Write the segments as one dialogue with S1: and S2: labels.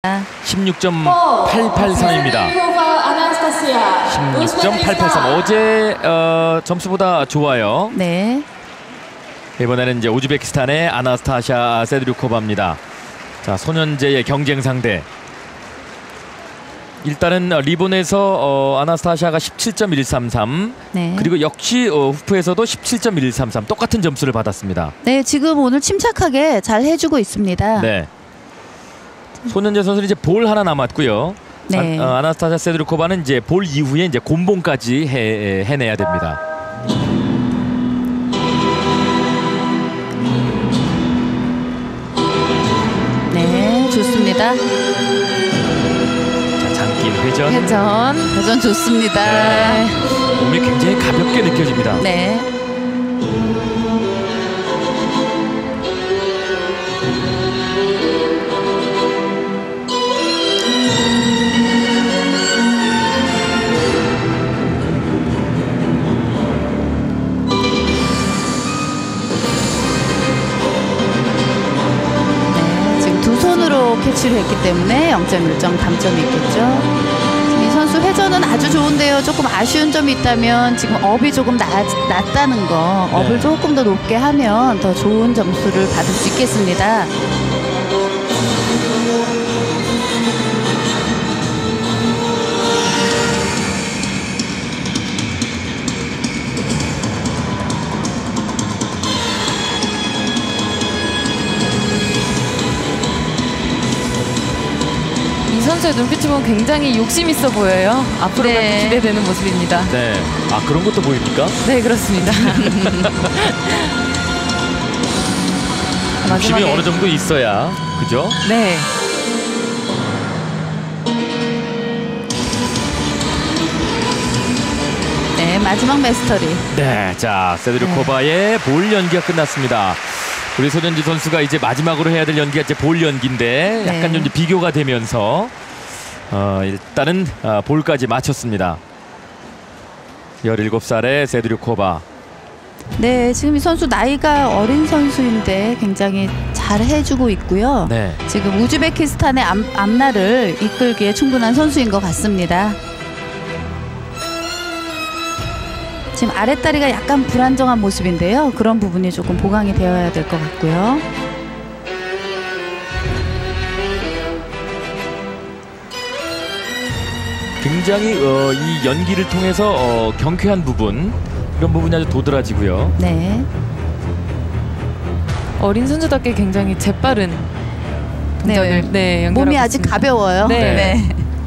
S1: 16.883입니다. 16.883. 어제 점수보다 좋아요.
S2: 네.
S1: 이번에는 이제 우즈베키스탄의 아나스타샤 세드류코바입니다. 자, 소년제의 경쟁 상대. 일단은 리본에서 아나스타샤가 17.133.
S2: 네.
S1: 그리고 역시 후프에서도 17.133. 똑같은 점수를 받았습니다.
S2: 네, 지금 오늘 침착하게 잘 해주고 있습니다.
S1: 네. 소년제 선수는 이제 볼 하나 남았고요.
S2: 네.
S1: 아나스타샤 세드류코바는 이제 볼 이후에 이제 곤봉까지 해내야 됩니다.
S2: 네, 좋습니다.
S1: 자, 장긴 회전.
S2: 회전 좋습니다.
S1: 네. 몸이 굉장히 가볍게 느껴집니다.
S2: 네. 캐치를 했기 때문에 0.1점 감점이 있겠죠. 이 선수 회전은 아주 좋은데요. 조금 아쉬운 점이 있다면 지금 업이 조금 낮다는 거, 업을 조금 더 높게 하면 더 좋은 점수를 받을 수 있겠습니다.
S3: 선수의 눈빛이 보면 굉장히 욕심 있어 보여요. 앞으로가
S2: 네.
S3: 기대되는 모습입니다.
S1: 네. 아, 그런 것도 보입니까?
S3: 네, 그렇습니다.
S1: 욕심이 어느 정도 있어야, 그죠?
S3: 네.
S2: 네, 마지막 메스터리.
S1: 네, 자, 세드류코바의 볼 연기가 끝났습니다. 우리 소년지 선수가 이제 마지막으로 해야 될 연기가 이제 볼 연기인데 약간 좀 이제 비교가 되면서 일단은 볼까지 마쳤습니다. 17살의 세드류코바.
S2: 네, 지금 이 선수 나이가 어린 선수인데 굉장히 잘 해주고 있고요.
S1: 네.
S2: 지금 우즈베키스탄의 앞날을 이끌기에 충분한 선수인 것 같습니다. 지금 아랫다리가 약간 불안정한 모습인데요. 그런 부분이 조금 보강이 되어야 될 것 같고요.
S1: 굉장히 이 연기를 통해서 경쾌한 부분, 이런 부분이 아주 도드라지고요.
S2: 네.
S3: 어린 선수답게 굉장히 재빠른 동작을
S2: 몸이 아직
S3: 있습니다.
S2: 가벼워요.
S3: 네.
S2: 네.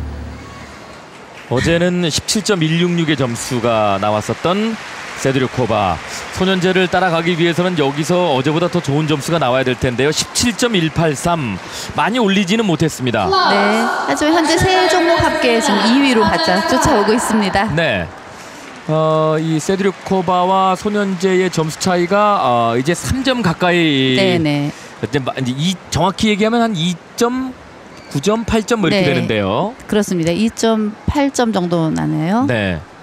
S1: 어제는 17.166의 점수가 나왔었던 세드류코바. 소년제를 따라가기 위해서는 여기서 어제보다 더 좋은 점수가 나와야 될 텐데요. 17.183. 많이 올리지는 못했습니다.
S2: 네. 하지만 현재 세 종목 합계 지금 2위로 바짝 쫓아오고 있습니다.
S1: 네. 이 세드류코바와 소년제의 점수 차이가 이제 3점 가까이.
S2: 네네.
S1: 이제 정확히 얘기하면 한 2.9점, 8점 뭐 이렇게 되는데요.
S2: 그렇습니다. 2.8점 정도 나네요.
S1: 네.